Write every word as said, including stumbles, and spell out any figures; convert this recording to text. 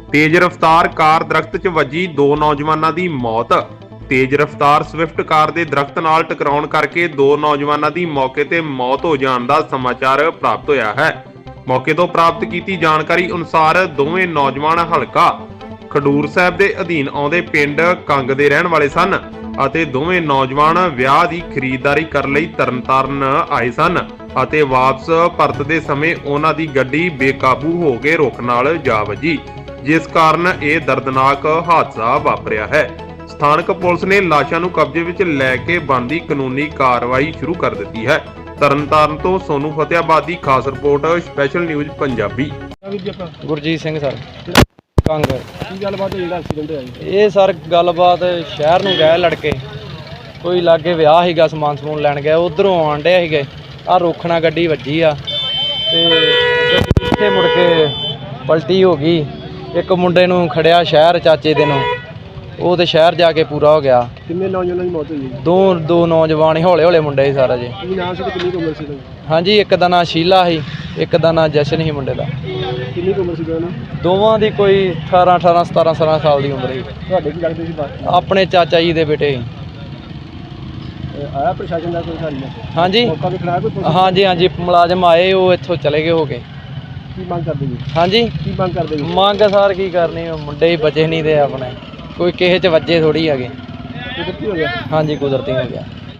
तेज रफ्तार कार दरख्त च वजी दो नौजवानों की मौत। तेज रफ्तार स्विफ्ट कार के दरख्त नाल टकराउण करके दो नौजवानों की मौके ते मौत हो जाने का समाचार प्राप्त होया है। मौके तो प्राप्त की जानकारी अनुसार दोवें नौजवान हलका खडूर साहब के अधीन आउंदे पिंड कंग दे रहण वाले सन ਅਤੇ ਦੋਵੇਂ ਨੌਜਵਾਨ ਵਿਆਹ ਦੀ ਖਰੀਦਦਾਰੀ ਕਰਨ ਲਈ ਤਰਨਤਾਰਨ ਆਏ ਸਨ ਅਤੇ ਵਾਪਸ ਪਰਤਦੇ ਸਮੇਂ ਉਹਨਾਂ ਦੀ ਗੱਡੀ ਬੇਕਾਬੂ ਹੋ ਕੇ ਰੁੱਖ ਨਾਲ ਜਾ ਵੱਜੀ, ਜਿਸ ਕਾਰਨ ਇਹ ਦਰਦਨਾਕ ਹਾਦਸਾ ਵਾਪਰਿਆ ਹੈ। ਸਥਾਨਕ ਪੁਲਿਸ ਨੇ ਲਾਸ਼ਾਂ ਨੂੰ ਕਬਜ਼ੇ ਵਿੱਚ ਲੈ ਕੇ ਬਣਦੀ ਕਾਨੂੰਨੀ ਕਾਰਵਾਈ ਸ਼ੁਰੂ ਕਰ ਦਿੱਤੀ ਹੈ। ਤਰਨਤਾਰਨ ਤੋਂ ਸੋਨੂ ਫਤਿਆਬਾਦ ਦੀ ਖਾਸ report, special news Punjabi. Gurjeet Singh sir Kang. ਕੀ ਗੱਲਬਾਤ ਹੋਈ ਜਿਹੜਾ ਐਕਸੀਡੈਂਟ ਹੋਇਆ ਜੀ? ਇਹ ਸਰ ਗੱਲਬਾਤ ਸ਼ਹਿਰ ਨੂੰ ਗਏ ਲੜਕੇ, ਕੋਈ ਲਾਗੇ ਵਿਆਹ ਸੀਗਾ, ਸਮਾਨ ਸਮੂਨ ਲੈਣ ਗਏ, ਉਧਰੋਂ ਆਉਣ ਡੇ ਸੀਗੇ, ਆਹ ਰੋਖਣਾ ਗੱਡੀ ਵੱਜੀ ਆ ਤੇ ਗੱਡੀ ਇੱਥੇ ਮੁੜ ਕੇ ਪਲਟੀ ਹੋ ਗਈ। ਇੱਕ ਮੁੰਡੇ ਨੂੰ ਖੜਿਆ ਸ਼ਹਿਰ ਚਾਚੇ ਦੇ ਨੂੰ, ਉਹ ਤੇ ਸ਼ਹਿਰ ਜਾ ਕੇ ਪੂਰਾ ਹੋ ਗਿਆ। ਕਿੰਨੇ ਨੌਜਵਾਨਾਂ ਦੀ ਮੌਤ ਹੋਈ? ਦੋ ਦੋ ਨੌਜਵਾਨ ਹੀ, ਹੌਲੇ ਹੌਲੇ ਮੁੰਡੇ ਸੀ ਸਾਰਾ ਜੀ। ਕੀ ਨਾਮ ਸੀ ਤੇ ਕਿੰਨੀ ਕੁ ਉਮਰ ਸੀ ਇਹਨਾਂ ਹਾਂਜੀ, ਇੱਕ ਦਾ ਨਾਂ ਸ਼ੀਲਾ ਸੀ, ਇੱਕ ਦਾ ਨਾਂ ਜਸ਼ਨ ਸੀ ਮੁੰਡੇ ਦਾ। ਦੀ? ਕਿੰਨੀ ਕੁ ਉਮਰ ਸੀ ਇਹਨਾਂ ਦੀ? ਦੋਵਾਂ ਦੀ ਕੋਈ ਅਠਾਰਾਂ ਅਠਾਰਾਂ ਸਤਾਰਾਂ ਸਤਾਰਾਂ ਸਾਲ ਦੀ ਉਮਰ ਸੀ। ਤੁਹਾਡੇ ਕੀ ਲੱਗਦੇ ਸੀ ਬਾਤ? ਆਪਣੇ ਚਾਚਾ ਜੀ ਦੇ ਬੇਟੇ ਸੀ। ਆਇਆ ਪ੍ਰਸ਼ਾਸਨ ਦਾ ਕੋਈ ਸਾਰੀ? ਹਾਂਜੀ ਮੌਕਾ ਵੀ ਖੜਾਇਆ ਕੋਈ ਪੁਲਿਸ? ਹਾਂਜੀ ਹਾਂਜੀ ਮੁਲਾਜ਼ਮ ਆਏ, ਉਹ ਇੱਥੋਂ ਚਲੇ ਗਏ ਹੋ ਗਏ। ਕੀ ਮੰਗ ਕਰਦੇ ਜੀ? ਹਾਂਜੀ ਕੀ ਮੰਗ ਕਰਦੇ ਜੀ? ਮੰਗ ਸਾਰ ਕੀ ਕਰਨੀ, ਮੁੰਡੇ ਹੀ ਬਚੇ ਨਹੀਂ ਤੇ ਆਪਣੇ ਕੋਈ ਕਿਸੇ 'ਚ ਵੱਜੇ ਥੋੜੀ ਹੈਗੇ। ਕੁਦਰਤੀ ਹੋ ਗਿਆ? ਹਾਂਜੀ ਕੁਦਰਤੀ ਹੋ ਗਿਆ।